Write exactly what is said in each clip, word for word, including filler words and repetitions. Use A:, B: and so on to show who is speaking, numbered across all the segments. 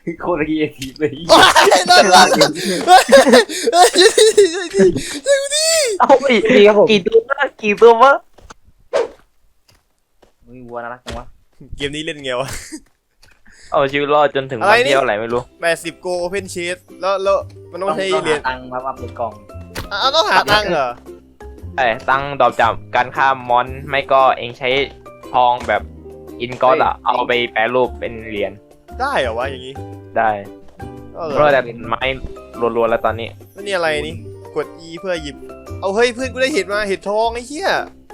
A: โคตรเกียร์ทีเลย
B: โอ้ยโดนหลังเฮ้ยช่วยดิช่วยดิช่วยดิ
C: เอาไปกี่ตัววะกี่ตัววะ
A: มีวัวน่ารักจังวะ
B: เกมนี้เล่นไงวะ
C: เอาชีวิตรอดจนถึงวันเดียวอะไรไม่รู้
B: แปดสิบโกโอเพนเชสแล้วแล้วมันต้องใช้
A: ต้อง
B: เหรียญ
A: หาตังค์มาอัพในกล่อง
B: อ่ะต้องหาตังค์เหรอ
C: ไอ้ตั้งดอกจับการฆ่ามอนไม่ก็เองใช้ทองแบบอินก็อดอะเอาไปแปรรูปเป็นเหรียญ
B: ได้เหรอวะอย่างงี้
C: ได้
B: ก็เหร
C: เพราะ
B: อ
C: แต่ไม้รัวๆแล้วตอนนี้
B: แล้วนี่อะไรนี่กด E เพื่อหยิบเอาเฮ้ยเพื่อนกูได้เห็ดมาเห็ดทองไอ้เหี้ย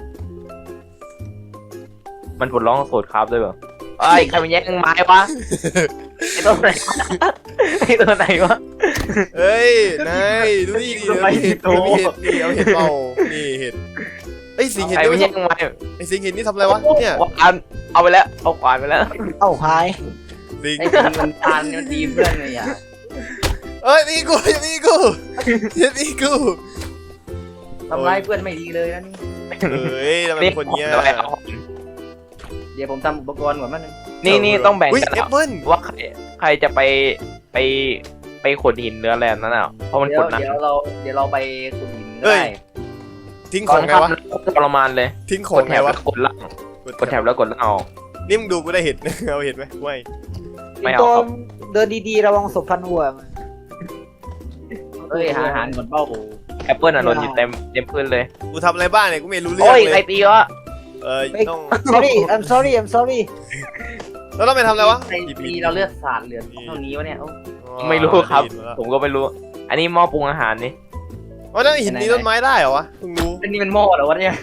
C: มันปลดล็อกสูตรครับด้วยเปล่าไอ้ใครมันแย่งไม้วะไอ้ตัวไหนไอ้ตัวไหนวะ
B: เฮ้ยนายดูนี่ดิเดี๋ยวมีเห็ดเดี๋ยวมีเห็ดนี่เอาเห็ดเปล่านี่เห็ดไอ้ยสิงเห็ด
C: ใคร
B: นี่
C: มัน
B: ไม่
C: แย่ง
B: ทำ
C: ไม้
B: ไอ้สิงเห็ดนี่ทำอะไรวะเนี่ย
C: ขวานเอาไปแล้วเอาขวานไปแล้ว
D: เอ้าหาย
B: สิง
A: ไอ้ทีมันทานมันตีเพื่อนเลยอ่ะ
B: เอ้ยนี่กูอย่านี่กูอย่านี่กู
A: ทำร้ายเพื่อนไม่ดีเลยนะนี่
B: เฮ้ยทำไมเป็นคนเงี้ย
C: เอาไปเอา
A: เดี๋ยวผมทำอุปกรณ์ก่อนมันง
C: นี่นี่ต้องแบ่ง
B: อุ้ย
C: กัน
B: แอปเปิ้ล
C: ว่าใครใครจะไปไปไปขุดหินเนื้อแร่นั่นน่ะเพราะมัน
A: เดี๋ย
C: ขุ
A: ว
C: ดนาน
A: เดี๋ยวเราเดี๋ยวเราไปขุดหินก็
B: เฮ้ย
A: ได้
B: ทิ้งข
C: ก่อ
B: อน งไง
C: ทำ
B: วะ
C: ทรมานเลย
B: ทิ้งข
C: ก
B: อง
C: ดแถ
B: ไง
C: บ
B: วะ
C: แล้วกดล่างกดแถบแล้วกดล่างออก
B: นี่มึงดูกูได้เห็ด เอาเห็ดไหมไม่
C: ไม่เอา
D: ตัว
C: ครับ
D: เดินดีๆระวังศพพันหัว
A: เอ้ยหาอาหารก่อนเป้า
C: แอปเปิลอ่ะหล่นอยู่เต็มเต็มพื้นเลย
B: กูทำอะไรบ้างเนี่ยกูไม่รู้เรื่อ
C: โอ้
B: ง
C: ย
B: เล
C: ใคร
B: ย
C: ตีวะ
B: เออต้อง
D: sorry I'm sorry I'm sorry
B: แล้วเราไปทำอะไรวะ
A: ไอ้ตีเราเลือดสาดเหลือเท่านี้วะเนี่ย
C: ไม่รู้ครับ ผมก็ไม่รู้ อันนี้หม้อปรุงอาหารนี่
B: อ๋อนั่นหินนี้ต้นไม้ได้เหรอวะเพิ่งรู้
A: เป็นนี่เป็นหม้อเหรอวะเนี่ย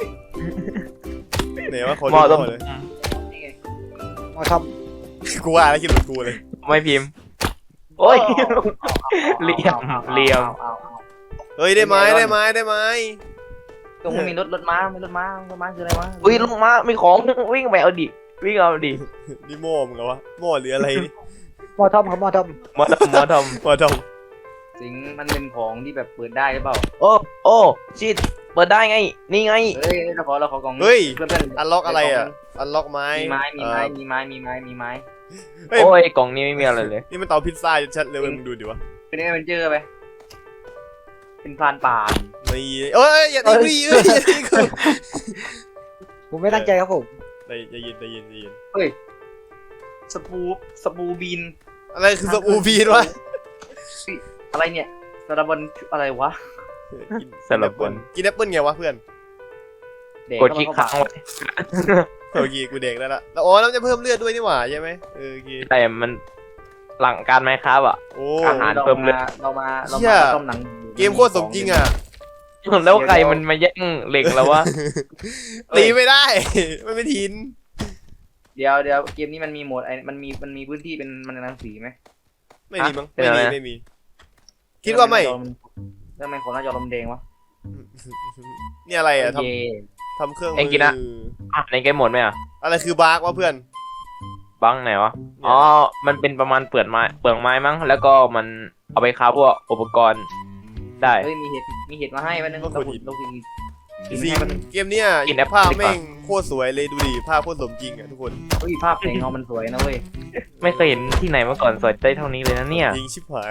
B: ไหนวะคน
C: หม้อต้ม
B: เลย
D: มาท
B: กูว่าแล้วคิดเหมือนกูเลย
C: ไม่พิมพ์ โอ้ย เหลี่ยมเหลี่ยม
B: เฮ้ยได้ไม้ได้ไม้ได้ไม้
A: ตรงมีรถรถม้ามีรถม้ารถม้าคืออะไรวะ
C: อุ้ยลงมามีของวิ่งไปเอาดิวิ่งเอาดิ
B: นี่โม่มึงเหรอวะโม่หรืออะไรนี่
D: ำมาทำครับมาท
C: มาทำมาท
B: มาท
A: สิงมันเป็นของที่แบบเปิดได้หรือเปล่า
C: ำโอ้โอ้ชิดเปิดได้ไง นี่ไง
A: เฮ้ยเราขอเราขอกล่อง
B: ำเฮ้ย
A: เพื่อนเพื่อน
B: อันล็อกอะไรอ่ะอันล็อกไม้
A: มีไม้มีไม้มีไม้มีไม้มีไม้
B: เฮ้ย
C: โอ้ยกล่องนี้ไม่มีอะไรเลย
B: นี่มันเตาพิซซ่าชัดเลยเว้ยมึงดูดิวะ
A: เป็นเอเวนเจอร์ไปเป็นพรานป่า
B: ไม่เอ้ยอย่าตีกูเอ้ยอย่าตีกู
D: ำผมไม่ตั้งใจครับผม
B: ได้ได้ยินได้ยินได้ยิน
A: สปูสปูบีน
B: อะไรคือสปูฟีนวะ
A: อะไรเนี่ยสารบันอะไรวะ
C: สำหรับคน
B: กินแอปเปิ้ลไงวะเพื่อน
A: เด็ก
C: กดคลิกค้างไว้
B: โอเคกูเด็กแล้วล่ะแล้วอ๋อแล้วจะเพิ่มเลือดด้วยนี่หว่าใช่ไหมเออโอเค
C: แต่มันหลังการไหมครับอ่ะ
B: โอ้
C: อาหาร เพิ่มเลือด
A: เรามาเรา
B: เหี้
A: มาย ต้มหนัง
B: เกมโคตรสมจริงอ่ะ
C: แล้วใครมันมาแย่งเหล็กแล้ววะ
B: ตีไม่ได้ มันเป็นหิน
A: เดี๋ยวเดี๋ยวเกมนี้มันมีโหมดไอ้มันมีมันมีพื้นที่เป็นมันรังสีไหม
B: ไม่มีมั้งไม่มีไม่มี คิดว่าไม่
A: เรื่องมันของหน้าจอลมแดงวะ
B: นี่อะไรอ่ะท
A: เย่
B: ำทำเครื่อง
C: เอ็งกินอะ อ่ะในเกมหมดไหมอ่ะ
B: อะไรคือบาร์กวะเพื่อน
C: บังไหนวะ อ๋อ มันเป็นประมาณเปลือกไม้เปลือกไม้มั้ง แล้วก็มันเอาไปค้าพวกอุปกรณ์ได้
A: เฮ้ยมีเห็ดมีเห็ดมาให้วันนึงเราขุดเรากินกิน
B: จริง
A: ให้มัน
B: เกมเนี้ย
C: กินแอป
B: ภาพ
C: ดีกว่า
B: แม่งโคตรสวยเลยดูดิภาพโคตรสมจริงอ่ะทุกคน
A: เฮ้ยภาพแสงเงามันสวยนะเว้ย
C: ไม่เคยเห็นที่ไหนมาก่อนสวยได้เท่านี้เลยนะเนี่ย
B: ยิงชิบหาย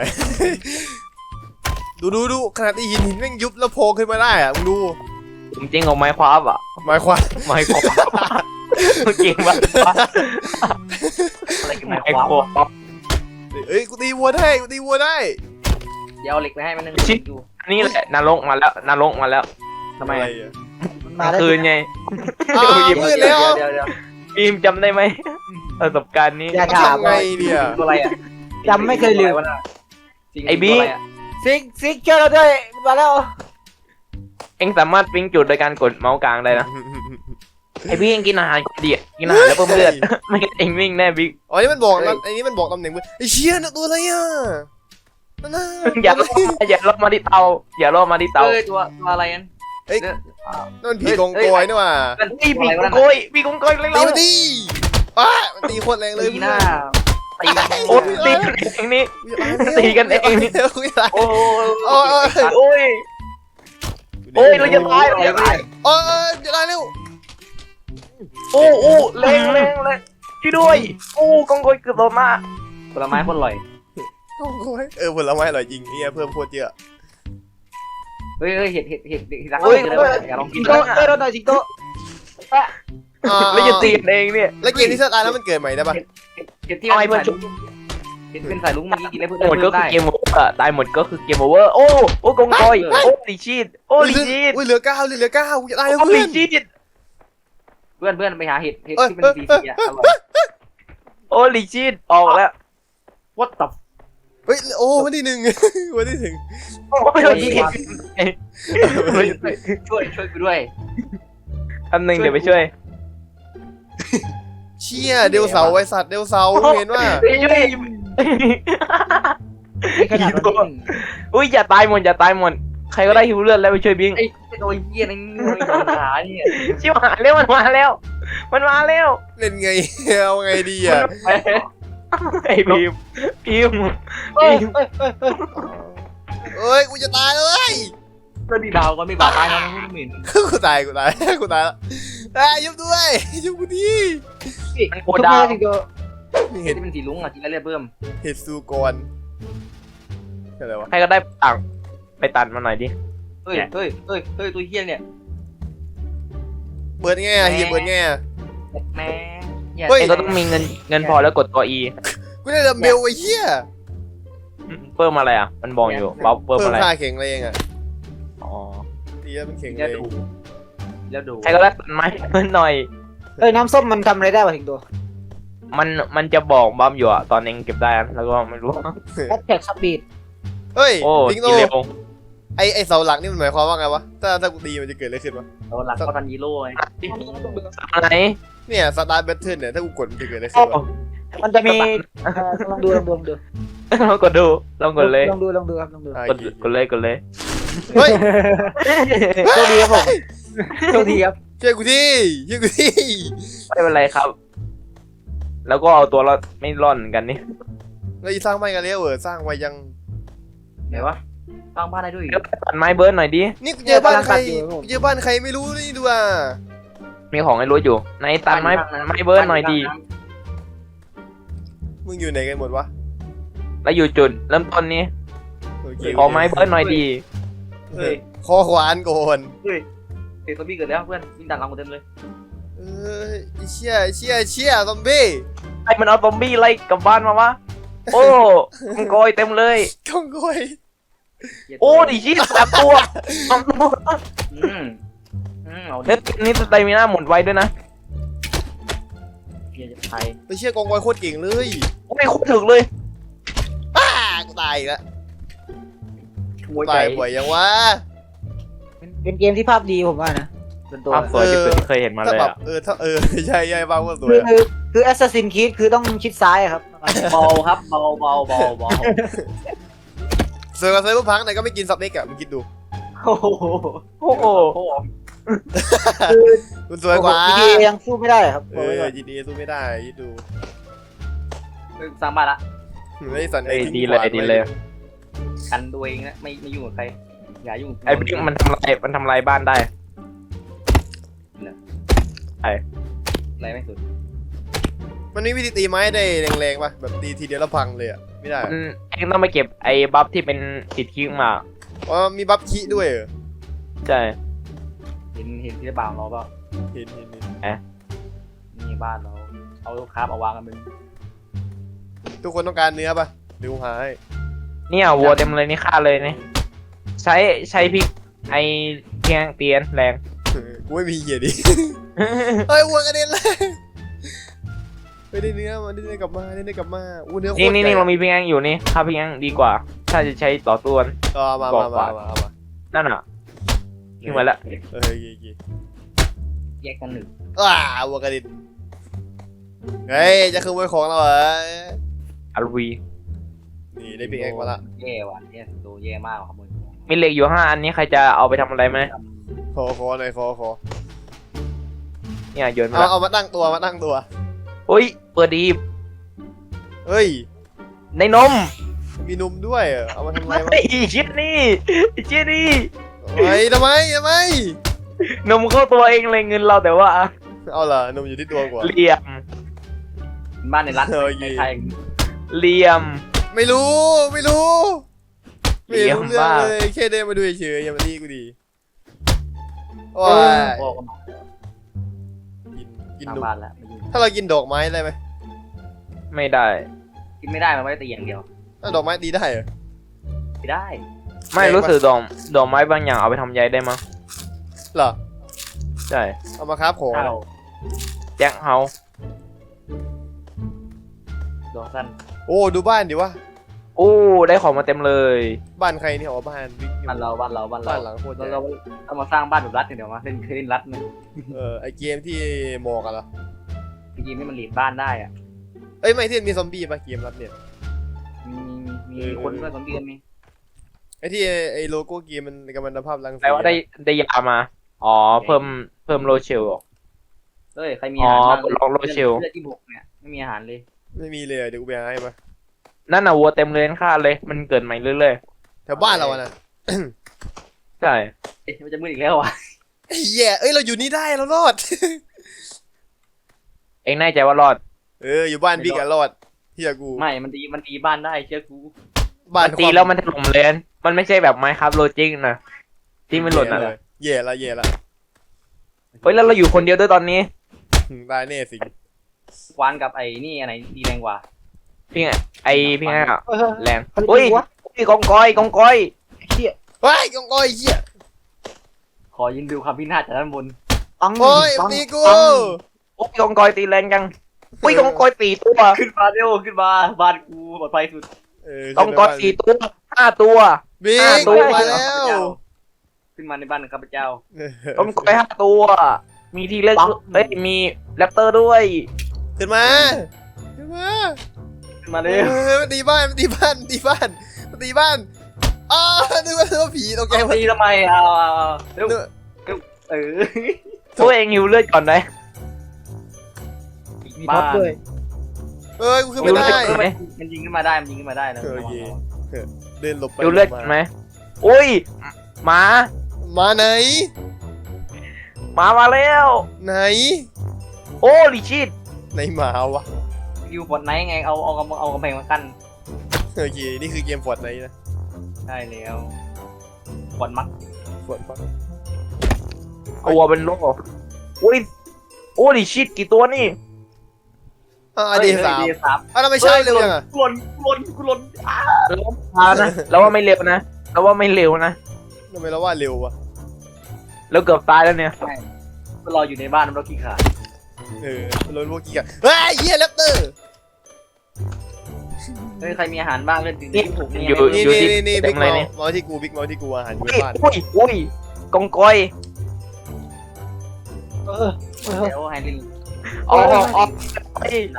B: ดูดูดูขนาดที่หินหินแม่งยุบแล้วโผล่ขึ้นมาได้อ่ะมึงดู
C: ผมจริงเอาไม้คว้าบอ่ะ
B: หมายความ
C: ไม้คว้าจริงปะ
A: อะไรกัน
C: ไม้
A: ไม้
C: ค
A: ควา
C: ว้า
B: เอ้ยกูตีวัวได้กูตีวัวได้
A: เดี๋ยวเอาเหล็กไปให้มันนึงอยู่
C: นี่แหละนรกมาแล้วนรกมาแล้ว
A: ทำไม
B: อะไรอ่ะ
D: มันมาได้
C: คืนไง
B: อ้าว
C: หยิบ
B: มืดแล้ว
A: เดี๋ยวเดี๋ยว
C: ฟิล์มจำได้ไหมประสบการณ์นี้
D: อย่าถาม
B: ทำไงเนี่ย
A: ตัวอะไรอ่ะ
D: จำไม่เคยลืม
C: ไอ้บิ๊ก
D: ซิกซิกช่วยเราด้วยมาแล้ว
C: เอ็งสามารถปิ้งจุดโดยการกดเมาส์กลางได้นะ ไอ้บิ๊กเอ็งกินอาหารเดียกินอาหารแล้วเพิ่มเลือด ไม่งั้นเอ็งวิ่งแน่บิ๊ก
B: อ๋อนี่มันบอกนะไอ้นี่มันบอกตำแหน่งมือไอ้เชี่ยน่ะตัวอะไรอ่ะนั่นน่ะ
C: อย่าล่ออย่าล่อมาที่เตา อย่าล่อมาที่เตา
A: เอ้ยตัวตัวอะไรกัน
B: เอ้ย
A: เนี่ย
B: นั่นมันผีกองโกยนี่หว่า
A: มัน
C: นี่
A: ตัว
C: ปี
A: อะไร
C: ก
A: วะนั่น
C: โกยปีกโกยเร็
B: ตี
C: ว
B: มันดิป้ามันตีโคตรแรงเลย
A: ตีหน้าตี
C: ๆโอ้ยตีกันเองนี่ ตีกันเองนี่
B: เร็วกูจะตาย
A: โอ้
B: โอ้ย
C: โอ้ย โอ้ยเราจะตายเราจะตาย
B: โอ้ยจะตายเร็ว
C: โอ้โอ้แรงแรงแรงช่วยด้วย โอ้กองโกยเกือบโดนมา
A: ผลไม้คนอร่อย
B: กองกอยเออผลไม้อร่อยจริงเฮียเพิ่มโคตรเยอะ
A: เฮ้ยเฮ้ยเห็ดเห็ดเห็ดเห็ดที่รัก
D: เฮ้ย
A: เลย
D: เฮ้ย
A: อยากลองกิ
D: สิ
A: น
D: งโตเอ้ยเราหน่อยสิงโต
B: อ่า
C: แล้วจะตีกันเองเนี่ย
B: แล้วเกมที่สตาร์แล้วมันเกิดใหม่ได้ปะ
A: เห็ดเห็ดที่
C: เอาไอ้
A: มัน
C: เพื่อน
A: เห็ดเป็นสายลุงเมื่อกี้กินได้เพื่อน
C: หมดก็คือ
A: ได้
C: เกมโอเวอร์ตายหมดก็คือเกมโอเวอร์โอ้โอ้กองกอยโอ้ลิชีดโอ้ลิชีด
B: อุ้ยเหลือเก้าเหลือเก้ากูจะตายแล้ว
C: โอ้
B: เพื่
C: ลิ
B: อน
C: ชีด
A: เพื่อนเพื่อนไปหาเห็ดเห็ด
B: เอ้ย
A: ที่เป็นสีสีอะอร่อย
C: โอ้ลิชีดออกแล้ว
A: What the
B: เฮ้ยโอ้วันที่หนึ่ง วันที่หนึ่ง
C: โอ้ยลิชีด
A: ช่วยช่วยกูด้วย
C: อันหนึ่งเดี๋ยวไปช่วย
B: เชี่ยเดลเสาไอสัตว์เดลเสาเห็นว่า
C: ไปช่วย
D: นี่ขนาดวันที่หนึ่ง
C: อุ้ยอย่าตายหมดอย่าตายหมดใครก็ได้หิวเลือดแล้วไปช่วยบิง
A: ไอ้ไอ้ตัวเหี้ยนั่นขาเนี่ย
C: ชิบหายแล้วมันมาแล้ว มันมาแล้ว
B: เล่นไงเอาไงดีอ่ะ
C: ไอ้พิมพิม
D: เฮ้ยเฮ้ยเฮ้ยเฮ้ย
B: เอ้ยกูจะตายเลย
A: ตัวดีดาวก็ไม่บาดตายนะไม่เหม็น
B: กูตายกูตายกูตายแล้วอ่ะยุบด้วยยุบกูดี
C: มันโค
D: ทุก
C: ดา
D: เมื่
C: ว
D: อสิงโต
A: เห็
B: เห็
A: ด
B: ด
A: ที่เป็นสีลุงอ่ะกินแล้วเรียบเบิ่ม
B: เห็ดซูกรอะไรวะ
C: ใครก็ได้ต่างไปตัดมาหน่อยดิ
A: เฮ้ยเฮ้ยเฮ้ยเฮ้ยตัวเหี้ยเนี่ย
B: เปิดไงอ่ะเฮียเปิดไงอ่ะ
A: แม่เหี้ย
B: เฮ้ย
C: เองก็ต้องมีเงินเงินพอแล้วกดตัว E
B: กูได้ดัมเบลไอ้เหี้ย
C: เพิ่มอะไรอ่ะ มันบอกอยู่บ๊อบเพิ่ม
B: เพิ่ม
C: อะไร
B: ค่าแข็งแรงอ่ะ
C: อ๋อ
B: ดีแล้วมันแข็งแร
A: แล้ว
B: ง
A: ดูแล้วดู
C: ใครก็ได้ตัดไม้เพิ่มหน่อย
D: เอ้ยน้ำส้มมันทำอะไรได้วะสิงโต
C: มันมันจะบอกบ๊อบอยู่อ่ะตอนเองเก็บได้อะแล้วก็ไม่รู้
D: แอดแท็กสปีด
B: เฮ้ย
C: โอ้
B: ลิงโต
C: กินเร็ว
B: ไอไอเสาหลักนี่มันหมายความว่าไงวะถ้าถ้ากูตีมันจะเกิดอะไรขึ้นวะ
A: เราหลักก็ทันยีโร่ไง
C: อะไร
B: เนี่ยสตาร์แบทเทิลเนี่ยถ้ากูกดมันจะเกิดอะไรขึ้
C: โอ้
B: นวะ
D: มันจะมีเอ่อลองดูลองดูลองดู
C: ลองกดดูลองกดเลย
D: ลองดูลองดูครับลองดู
B: อ่ะ
C: กดกดเลยกดเลย
B: เฮ้ย
D: โชคดีครับผมโชคดีครับ
B: ช่วยกูทีช่วยกูที
C: ไม่เป็นไรครับ แล้วก็เอาตัวรอดไม่รอดเหมือนกันนี่
B: เราจะสร้างบ้านกันแล้วเออสร้างไว้ยัง
A: ไหนวะสร้างบ้านได้ด้วยอีก
C: ก็ตัดไม้เบิร์ดหน่อยดิ
B: นี่กูเจอบ้านใครกูเจอบ้านใครไม่รู้นี่ดูอ่ะ
C: มีของให้รู้อยู่ในตัดไม้ไม้เบิร์ดหน่อยดี
B: มึงอยู่ไหนกันหมดวะ
C: แล้วอยู่จุดเริ่มต้นนี้
B: โอเค
C: ขอไม้เบิร์ดหน่อยดี
B: เฮ้ยคอขวานก่อน
A: เฮ้ยเฮ้ยซอมบี้เกิดแล้วเพื่อนวิ่งดันหลังกูเต็มเลย
B: เอ้ยไอ้เชี่ยไอ้เชี่ยไอ้เชี่ยซอมบี้
C: ไอ้มันเอาซอมบี้ไล่กลับบ้านมาวะโอ้มังกรเต็มเลย
B: กองกอย
C: โอ้ดิชิสามตัวสามตัว
A: อืมอืมเอาดิ
C: เน็ตนี่สไตมิน่าหมดไวด้วยนะ
A: เฮียจะไทย
B: ไอ้เชี่ยกองกอยโคตรเก่งเลย
C: โอ้ยโคตรถึกเลย
B: อ้ากูตายอีกแล้ว
A: ช่วยใจ
B: ตายบ่อยยังวะ
D: เป็นเกมที่ภาพดีผมว่านะ
A: เป็นตัว
C: ภาพสวยที่สุดที่เคยเห็นมา
B: ถ้า
C: เลย
B: แบบ
C: อะ
B: เออถ้าเออใช่ใช่บ้างว่าสว
D: คื
B: ย
D: อคือคือ Assassin's Creed คือต้องชิดซ้ายอะครับ
A: เบาครับเบาเบาเบาเบา
B: เสือกับเซอร์เวอร์พังไหนก็ไม่กินซับเล็กอะมึงคิดดู
A: โอ้โห
C: โอ้โห
A: โอ้โห
D: คือ
B: มันสวยกว่า
D: จี ที เอ ยังสู้ไม่ได้ครับ
B: เอ
D: บอกไว้ก่
B: อ
D: อน
B: จีดีสู้ไม่ได้คิดดู
A: สร้างบ้านละ
B: ไม่ได้สั่น
C: เอ้ย
B: ทิ้ง
C: ดีเลย
B: ขวาน
C: ดี
B: ไว้
C: เลย
A: กันตัวเองนะไม่ไม่ยุ่งกับใครอย่ายุ่งกับ
C: ไอ้บิ๊กมันทำลายมันทำลายบ้านได้
A: อะไรไม่สุด
B: มันมีวิธีตีไม้ได้แรงๆป่ะแบบตีทีเดียวแล้วพังเลยอะไม่ได้
C: มันเองต้องไปเก็บไอ้บัฟที่เป็นติดคิ้งมา
B: อ๋อมีบัฟคิด้วยเหรอ
C: ใช่
A: เห็นเห็นที่บ้านเราเปล่า
B: เห็นเห็นเห็น
A: นี่บ้านเราเอาลูกค้าเอาวางกันมึง
B: ทุกคนต้องการเนื้อป่ะดูหาให้
C: เนี่ยวัวเต็มเลยนี่ฆ่าเลยนี่ใช้ใช้พริกไอ้เพียงเตียนแรง
B: กูไม่มีเหี้ยดิ เฮ้ยวัวกระเด็นเลยไม่ได้เนื้อมาได้เนื้อกลับมาได้เนื้อกลับมาอู้เนื้อโคตร
C: นี่นี่นี่
B: ใหญ่
C: เรามีเพียงอยู่นี่ฆ่าเพียงดีกว่า ถ้าจะใช้ต่อตัว
B: ต่อมา
C: บ
B: มา
C: อก
B: มา
C: ว่า
B: มาเอามา
C: นั่นอ่ะขึ้นมาแล้ว
B: เออโอเคโอเค
A: แยกกันหนึ่ง
B: ว้าวัวกระเด็นเฮ้ยจะขโมยของเราเหรอ
C: อาร์วี
B: นี่ได้ปีกแอกมาละ
A: แย่ว่ะแย่ตัวแย่มากขโมย
C: มีเหล็กอยู่ห้าอันนี้ใครจะเอาไปทำอะไรไหม
B: ขอขอหน่อยขอขอ
C: เนี่ยโยนไป
B: เอา
C: แล้ว
B: เอามาตั้งตัวมาตั้งตัว
C: โอ้ยเปิดดี
B: เฮ้ย
C: ในนม
B: มีนมด้วยเหรอเอามาทำอะไรวะ
C: ไอ้ชิดนี่ไอ้ชิดนี่
B: เฮ้ยทำไมทำไม
C: นมเข้าตัวเองเลยเงินเราแต่ว่า
B: เอาล่ะนมอยู่ที่ตัวกว่า
C: เหลี่ยม
A: บ้านในรัฐ
B: โอเค
A: ในไทย
C: เเหลี่ยม
B: ไม่รู้ไม่รู้ไม่
C: เยี่ยม
B: รู้เรื่อง
C: มาก
B: เลยแค่เดินมาดูเฉยๆอย่ามาตีกูดีโอ้ย
A: โอ้มา
B: กินกิน
A: ทาง
B: ดอก
A: บ้านแล้วมายิง
B: ถ้าเรากินดอกไม้ได้ไหม
C: ไม่ได้
A: กินไม่ได้มันไม่ได้ตีอย่างเดียว
B: ถ้าดอกไม้ตีได้เหรอ
A: ไม่ได้
C: ไม่รู้สึกดอกดอกไม้บางอย่างเอาไปทำใยได้มั้ง
B: เหรอ
C: ใช่
B: เอามาครับของ
A: ข้าว
C: แจ็คเฮา
A: ดอกสั้น
B: โอ้ดูบ้านดิวะ
C: โอ้ได้ของมาเต็มเลย
B: บ้านใครเนี่ยอ๋อบ้านบิ๊ก
A: บ้านเราบ้านเราบ้านเรา
B: บ้านหลังโคตรให
A: เรา
B: ญ่
A: เราเอามาสร้างบ้านแบบรัดเนี่ยเดี๋ยวมาเล่นเคยเล่นรัดไหม
B: เออไอเกมที่หมอกอะเหรอ
A: จริงๆนี่มันหลีดบ้านได้อ่ะ
B: เอ้ยไม่ที่มีซอมบี้ปะเกมรับเนี่ย
A: มีมี
B: เออ
A: มีคนด้วยสองเดือนมี
B: ไอที่ไอโลโก้เกมมันกำมันภาพรังสี
C: แปลว่าได้ได้ยามา อ๋อ เพิ่มเพิ่มโลเชล
A: เฮ้ยใครมีอาหาร
C: อ๋อ
A: บ้าง
C: ปลดล็อกโรเชล
A: เลือดที่บกเนี่ยไม่มีอาหารเลย
B: ไม่มีเลยอะเดี๋ยวกูไปหาให้มา
C: นั่นน่ะวัวเต็มเลยค่าเลย มันเกิดใหม่เรื่อย
B: แถวบ้านเราอะนะ
C: ๆ ใช่
A: เอ๊ะมันจะมืดอีกแล้ววะ
B: ไอ้เหี้ยเอ้ยเราอยู่นี่ได้เรารอด
C: เองแน่ใจว่ารอด
B: เอออยู่บ้านบิ๊กอะรอดเฮียกู
A: ไม่มันตีมันตีบ้านได้เชื่อกู
B: บ้าน
C: มันตีแล้วมันถล่มเลยนมันไม่ใช่แบบไม้ครับโลจิกนะที่มันหล่นนะ
B: แย่ละแย่ละ
C: เฮ้ยแล้วเราอยู่คนเดียวด้วยตอนนี้
B: ตายแน่สิ
A: ควานกับไอ้นี่อันไหนดีแรงกว่า
C: พี่ไงไอพี่ไงอะ
D: เออ
C: แรง
D: เขาเรียก
C: อุ้ย
D: วะ
C: อุ้ยกองกอยกองกอย
D: เฮีย
B: เฮ้ยกองกอยเหี้ย
A: ขอยินดูความพินาศจากด้านบน
D: ปัง
B: โอ้ย
D: ปัง
B: ตีกู
D: ปัง
C: อุ้ยกองกอยตีแรงจังอุ้ยกองกอยตีตัว
A: ขึ้นมาเร็วขึ้นมาบ้านกูปลอดภัยสุด
B: เออก
C: องกอยตีตัวห้าตัว
B: บิ๊
C: อ่ะ
B: ก
C: ตัว
B: มาแล้ว
A: ขึ้นมาในบ้านของข้าพเจ้า
C: กองกอยห้าตัว มีทีเล็กเอ้ยมีแรปเตอร์ด้วย
B: ขึ้นมาขึ้นมา
A: ขึ้นมา
B: เอ
A: เร็ว
B: อมันตีบ้านมันตีบ้านมันตีบ้านมันตีบ้านอ้าวนึกว่านึกว่าผีตกใจหมด
A: ตีทำไมเอาเอาเอาเร็ว
B: นึกว่า
A: เออ
C: ตัวเองหิวเลือดก่อนได้
D: มีท็อปด้วย
B: เอ้ยกูขึ้นไม่ได้
C: รู้สึกไหม
A: มันยิงขึ้นมาได้มันยิงขึ้นมาได้นะ
B: โอเค เดินหลบไป
C: หิวเลือด
B: หบ
C: ไหมอุ้ยหมา
B: มาไหน
C: หมามาแล้ว
B: ไหน
C: โอ้ลิชิต
B: ไหนหมาวะ
A: ยูบอดไนท์ไงเอาเอากำเอากำแพงมากั้น
B: โอเคนี่คือเกมฟอร์ดไนท์นะ
A: ใช่แล้วบอดมัก
B: ฟอร์ดปั๊บ
C: ตัวเป็นโลอุ้ยโอ้ลิชิตกี่ตัวนี่
B: อ่าเดย์สาม
A: เดย์สาม
B: อ่ะทำไมใช่เร็วยังอ่ะ
A: กลนกลนกลนอ้า
C: แล้วว่านะแล้วว่าไม่เร็วนะแล้วว่าไม่เร็วนะ
B: ทำไมเราว่าเร็ววะ
C: แล้วเกือบตายแล้วเนี่ย
A: มันรออยู่ในบ้านมันรอขี้ขาด
B: เออรถพวกกี้กันเฮ้ยเฮียแรปเตอร์
A: เฮ้ยใครมีอาหารบ้างเล่นถึง
C: นี่
A: ที่ถูก
C: อยู่
B: นี่
C: อยู่
B: นี่
C: ที่
B: นี่นี่
C: เต็
B: บิ๊
C: ม
B: ก
C: เลย
B: เมา
C: เนี่ย
B: เมาที่กูบิ๊กเมาที่กูอาหารอยู่
C: อุ้
B: ใน
C: ย
B: บ้าน
C: อุ้ยอุ้ยกองกอย
D: เออเออ
A: แล้วไฮลิน
C: อ๋ออ๋ออ๋อไอ้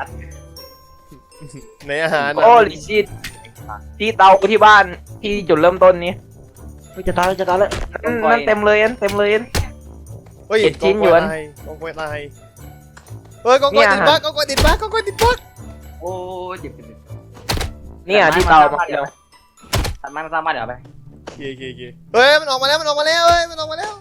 B: ในอาหาร
C: โอ้ลิชิตที่เตาที่บ้านที่จุดเริ่มต้นนี้
D: เฮ้ยจะตายแล้วจะตายแล้ว
C: อืมนั่นเต็มเลยอันเต็มเลยอัน
B: เฮ้ย
C: เจ็ดชิ้นหยวน
B: กองกอยตายเฮ้ยกองกอย
C: เนี่ย
B: ติดบั๊กกองกอยติดบั๊กกองกอยติดบั๊ก
A: โอ้ยเจ็บเจ็บเจ็บ
C: เนี่ยที่เตามาเดียว
A: ตัดไม้มาสร้างบ้านเดี๋ยวเอาไป
B: โอเคโอเคโอเคเฮ้ยมันออกมาแล้วมันออกมาแล้วเฮ้ยมันออกมาแล้ว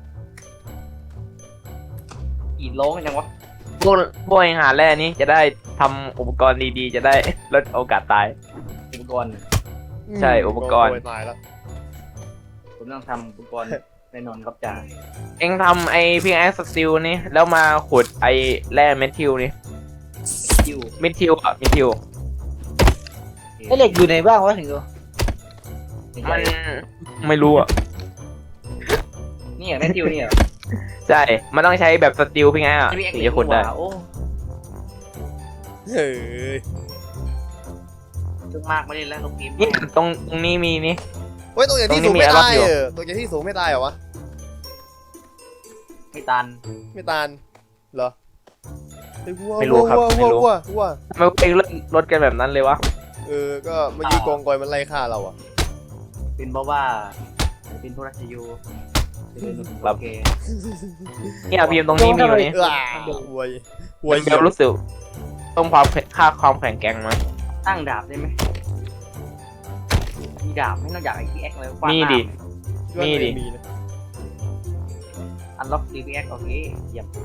A: อีดโลงยังวะ
C: พวกพวกเองหาแร่นี้จะได้ทำอุปกรณ์ดีๆ จะได้ลดโอกาสตาย
A: อุปกรณ์
C: ใช่อุปกรณ์
B: กงยตายแล้ว
A: ผมต้องทำอุปกรณ์แน่นอนครับจ่า
C: เองทำไอพีแอสสติลนี่แล้วมาขุดไอแร่เมทิลนี่
A: คิว
C: เมทิลอะเมทิล
D: ไอ้เหล็กอยู่ไหนบ้างวะถึงดู
C: มันไม่รู้อะ
A: นี่อย่างแม่คิวนี่เหรอ
C: ใช่ มันต้องใช้แบบสติลพี่ไงอะ
A: พี่เอ็ก
C: ถึง
A: ซ์
C: จะขุดได้
A: โอ้
B: เฮ้ย
A: จุกมากไม่เล่นแล้วลงเกม
C: นี่ตรงตรงนี้มีนี่
B: เฮ้ยตรงอย่างที่
C: ตรงนี้
B: สูงไม่
C: มีอะไร
B: ตาย
C: อยู่
B: เออตรงอย่างที่สูงไม่ตายเหรอวะ
A: ไม่ตัน
B: ไม่ตายเหรอเฮ้ยวัว
C: ไม่รู้ครับ
B: วัว
C: ไม่
B: วัว
C: รู้
B: วัววัว
C: ทำไมเองลดลดกันแบบนั้นเลยวะ
B: เออก็เมื่อกี้กองกอยมันไล่ฆ่าเราอ่ะ
A: เป็นเพราะว่าเป็นพวกราชยูเป็นโอเค
C: เนี่ยพิมพ์ตรงนี้มีอยู่นี่
B: เออวัววัว
C: มันจะรู้สึกต้องความแข็งค่าความแข็งแกร่งมั้ย
A: ตั้งดาบได้ไหมมีดาบไม่ต้องอยากไอ้พี่เอ็กซ์เลย
C: มีดิ มีดิ
B: มีนะ
A: อันล็อกดีพี่เอ็กซ์โอเคเยี่ยม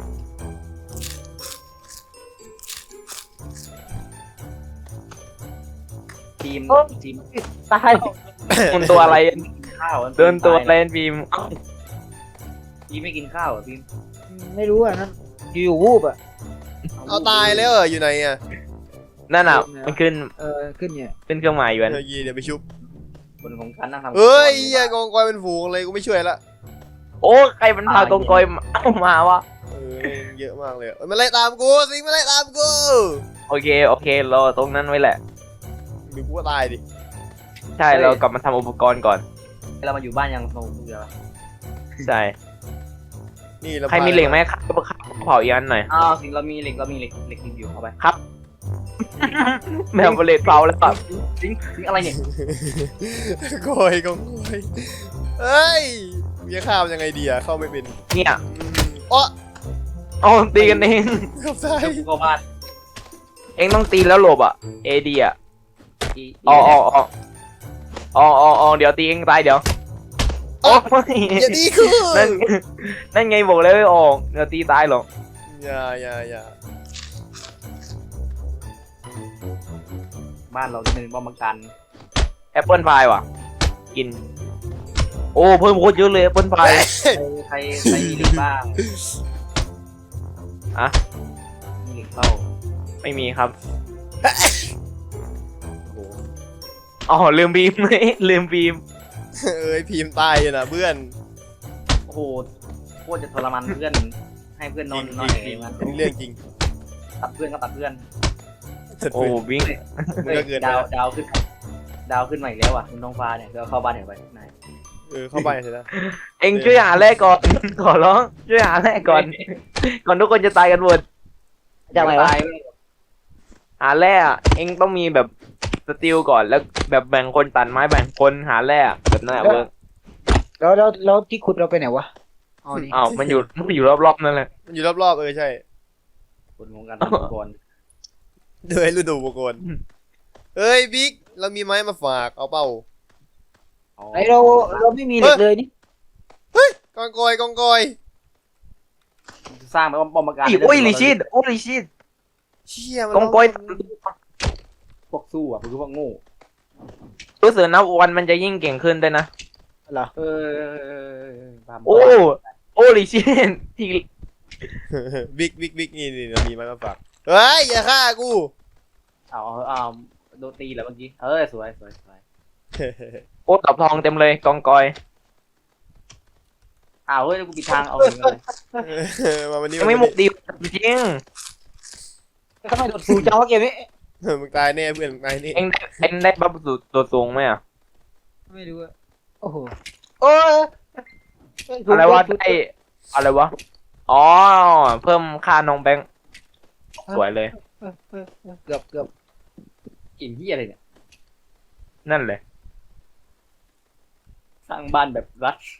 A: ทีม
D: โอ้
A: ทีม
D: ตาย
C: มันตัวอะไร
A: ข้าว
C: เดินตัวเลนบีม
A: ทีมไม่กินข้าวอ่ะทีม
D: ไม่รู้อ่ะนั่นอยู่ๆวูบอ่ะ
B: เอาตายแล้วเหรออยู่ไหนอ่ะ
C: นั่นอ่ะมันขึ้น
D: เออขึ้นเนี่ย
C: ขึ้นเครื่องหมายอยู่อัน
B: เดี๋ยวยีเดี๋ยวไปชุบ
A: คนของฉันนะทำ
B: เฮ้ยเหี้ยกองกอยเป็นฝูงเลยกูไม่ช่วยละ
C: โอ้ใครมันพากองกอยมาเอามาวะ
B: เออเยอะมากเลยเอ้ยมันไล่ตามกูสิงมันไล่ตามกู
C: โอเคโอเครอตรงนั้นไว้แหละ
B: หรือกูก็ตายดิ
C: ใช่เรากลับมาทำอุปกรณ์ก่อน
A: เรามาอยู่บ้านยังโตเดียว
C: ใช่
B: นี่เรา
C: ใครมีเหล็กไหมครับเผาอีกอันหน่อย
A: อ้าวสิงเรามีเหล็กเรามีเหล็กเหล็กอยู่เอาไป
C: ไม่เอาเหล็กเผาแล้วป่ะ
A: สิงสิงอะไรเนี่ย
B: กอยกองกอยเฮ้ยมึงจะข้ามยังไงดีอะเข้าไม่เป็น
C: เนี่ย
B: อืมอ๋อ
C: เอาตีกันเอง
B: เกับตาย
A: เดี๋ยวกูเข้าบ้าน
C: เองต้องตีแล้วหลบอ่ะเอดีอ่ะอ๋ออ๋ออ๋ออ๋ออ๋ออ๋อเดี๋ยวตีเองตายเดี๋ยวโอ้ย
B: อย่าดีกู
C: นั่นนั่นไงบอกเลยไม่ออกเดี๋ยวตีตายหรอก
B: อย่าอย่าอย่า
A: บ้านเราจะเป็นป้อมกัน
C: แอปเปิลพายว่ะ กิน โอ้เพิ่มโคตรเยอะเลยแอปเปิลพาย
A: ใครใครมีเหล็กบ้าง
C: อะ
A: มีเหล็กเข้า
C: ไม่มีครับ
A: โอ้โห
C: อ๋อลืมบีม ลืมบีม
B: เอ้ยพิมพ์ตายอยู่นะเพื่อน
A: โอ้โหโคตรจะทรมานเพื่อนให้เพื่อนนอนนอนเองมัน
B: นี่เรื่องจริง
A: ตัดเพื่อนก็ตัดเพื่อน
B: จัด
C: โอ้
B: เพื่อน
C: วิ่ง
B: มันก็เกินไป
A: ดาวดาวขึ้น ดาวขึ้นมาอีกแล้วอ่ะคุณท้องฟ้าเนี่ยก็เข้าบ้านเดี๋ยวไปนาย
B: เออเข้าไปเสร็จแล้ว
C: เอ็งช่วยหาแรกก่อน ขอร้องช่วยหาแรกก่อน ก่อนทุกคนจะตายกันหมด
D: จากไหนวะ
A: ตาย
C: หาแร่อะเอ็งต้องมีแบบสติลก่อนแล้วแบบแบ่งคนตัดไม้แบ่งคนหาแร่อะแบบนั้นอะเวิร์ก
D: แล้วแล้วแล้วที่ขุดเราไปไหนวะอ๋อนี่
C: อ้าวมันอยู่มันอยู่รอบๆนั่นแหละ
B: มันอยู่รอบๆเออใช่
A: คนของกันทุกคน
B: เดยฤดูอุปกรณ์เฮ้ยบิ๊กเรามีไม้มาฝากเอาเปล่า
D: ไอเราเราไม่มีเหล็กเลยนี่
B: กองกอยกองกอย
A: สร้างเป็นป้อมกัน
C: อีโอ้ยลิชิดโอ้ยลิชิด
B: เชี่ยมัน
C: กองกอย
A: พวกสู้อ่ะคือพวกโง่
C: รู้สึกนะวันมันจะยิ่งเก่งขึ้นด้วยนะ
D: เหรอ
A: เออ
C: โอ้โอ้ลิชิดที่
B: บิ๊กบิ๊กบิ๊กนี่นี่เรามีไม้มาฝากเฮ้ยอย่าฆ่ากู
A: เอาเอาโดนตีแล้วเมื่อกี้เออสวยสวยสวย
C: โอ้ตับทองเต็มเลยกองกอย
A: อ้าวเฮ้ยกูปิดทางเอาเองเลย
B: มาวันนี้
C: ยังไม่หมดดีจริง
D: ทำไมโดดสูงจังวะเกมนี้
B: เออมึงตายแน่เพื่อนมึงตายแน่
C: เอ็งได้เอ็งได้บัฟสุดตัวสูงไหมอะ
D: ไม่รู้อะโอ้โหโอ้ย
C: อะไรวะได้อะไรวะอ๋อเพิ่มค่าน้องแบงค์สวยเลย
D: เกือบเกือบ
A: กินที่อะไรเนี่ย
C: นั่นเลย
A: สร้างบ้านแบบรัช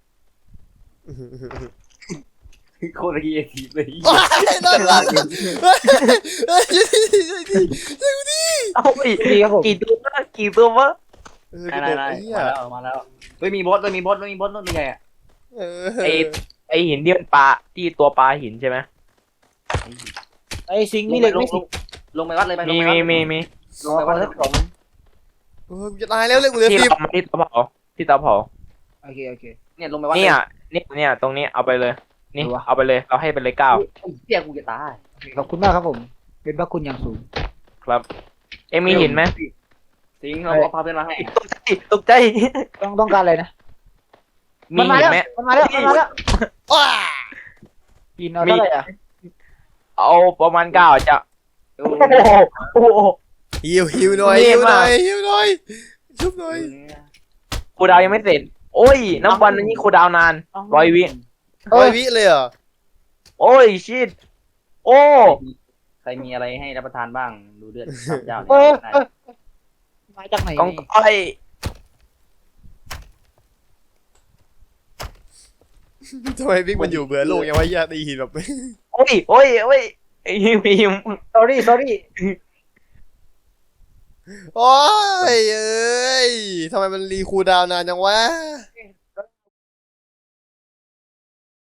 A: โคตรกีเอทีเลย
B: ว้ายนอนหลับเฮ้ยช่วยทีช่วยที
C: เอาไป
D: ดีครับผม
C: กี่ตัววะกี่ตัววะ
B: เออ
A: ได้
B: กู
A: ได้
B: ตก
A: ได้
B: ไอ้เหี้ย
A: มาแล้วมาแล้วเฮ้ยมีบอสด้วยมีบอสด้วยมีบอสด้วยใหญ่อะ
B: เออ
C: ไอไอหินที่มันปลาที่ตัวปลาหินใช่ไหม
D: ไอซิงค์มีเหล็ก
A: ล
D: ไม่
A: ง
D: สิ
A: ลงไปวัดเลยไปล
C: มี
A: งไปวั
C: มี
A: ด
C: มีมี
A: ลงไปวัดเลย
B: เออกูจะตายแล้วเลยกูเหลือ
C: ที่
B: สิบ
C: เรามาที่เตาเผาที่เตาเผา
D: โอเคโอเค
A: เนี่ยลงไปวัด
C: เนี่ยเนี่ยเนี่ยตรงนี้เอาไปเลย นี่
D: ดูวะ
C: เอาไปเลยเราให้ไปเลยเก้า
A: เตี้ยกูจะตาย
D: ขอบคุณมากครับผม เป็นพระคุณอย่างสูง
C: ครับ เอ็มมีหินไหม
A: สิงเราเอาพาเพื่อนมาให้
C: ตกใจตกใจ
D: ต้องต้องการอะไรนะ
C: มี
D: มา
C: หิน
D: แล้ว
C: ไหม
D: มันมาแล้วมันมาแล้ว
B: ว้า
D: กินเอาเท่าไหร่อ่ะ
C: เอาประมาณเก้าจะ
A: โอ้
C: โอ้โหโอ้โห
B: หิวหิวหน่อย
C: เท่
B: หิวหน่
C: มา
B: อก ยหิวหน่อยชุบหน่อย
C: ครูดาวยังไม่เสร็จ โอ้ยน้ำวันนี้ครูดาวนานร้อยวิ
B: ร้อยวิเลยเหรอ
C: โอ้ยชิดโอ้
A: ใครมีอะไรให้รับประทานบ้างดูเลือดเจ้า
D: เออเออมาจากไหน
C: กอง
D: นี่
C: ก้อย
B: ทำไมบิ๊กมันอยู่เบื่อโลกยังวะเหี้ยตีหินแบบ
C: โอ้ยโอ้ยโอ้ยไอ้พิม
D: สอรี่สอรี่
B: โอ้ยเอ้ยทำไมมันรีคูลดาวน์นานจังวะ